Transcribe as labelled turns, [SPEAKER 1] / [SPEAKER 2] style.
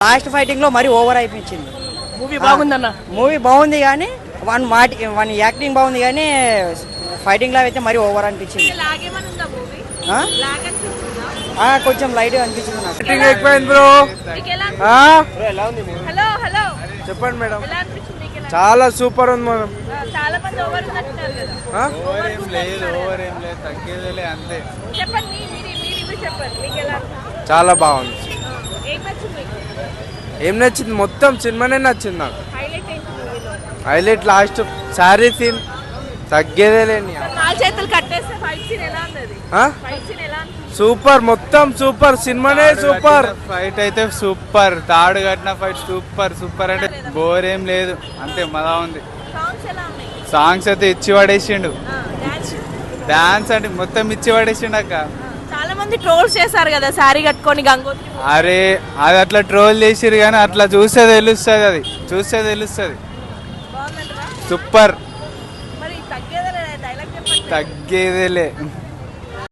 [SPEAKER 1] Last fighting లో మరి over అయిపించింది.
[SPEAKER 2] మూవీ బాగుందన్న.
[SPEAKER 1] మూవీ బాగుంది కానీ వన్ యాక్టింగ్ బాగుంది కానీ ఫైటింగ్ లో అయితే మరి ఓవర్ అనిపించింది. కొంచెం లైట్ అనిపించింది నాకు.
[SPEAKER 3] చెప్పండి మేడం. చాలా సూపర్ ఉంది మేడం. చాలా బాగుంది. ఏం నచ్చింది? మొత్తం సినిమానే నచ్చింది నాకు. హైలైట్ లాస్ట్ సారీ సీన్ తగ్గేదే లేని సూపర్. మొత్తం సూపర్. సినిమానే సూపర్.
[SPEAKER 4] ఫైట్ అయితే సూపర్. తాడు కట్టిన ఫైట్ సూపర్ సూపర్. అంటే బోర్ ఏం లేదు, అంతే మజా ఉంది. సాంగ్స్ అయితే ఇచ్చి పడేసిండు. డాన్స్ అంటే మొత్తం ఇచ్చి పడేసిండు అక్క.
[SPEAKER 2] చాలా మంది ట్రోల్స్ చేశారు కదా సారీ కట్టుకొని గంగోత్రి.
[SPEAKER 4] అరే అది అట్లా ట్రోల్ చేసిరు కానీ అట్లా చూస్తే తెలుస్తుంది. అది చూస్తే తెలుస్తుంది. సూపర్. తగ్గేదేలే.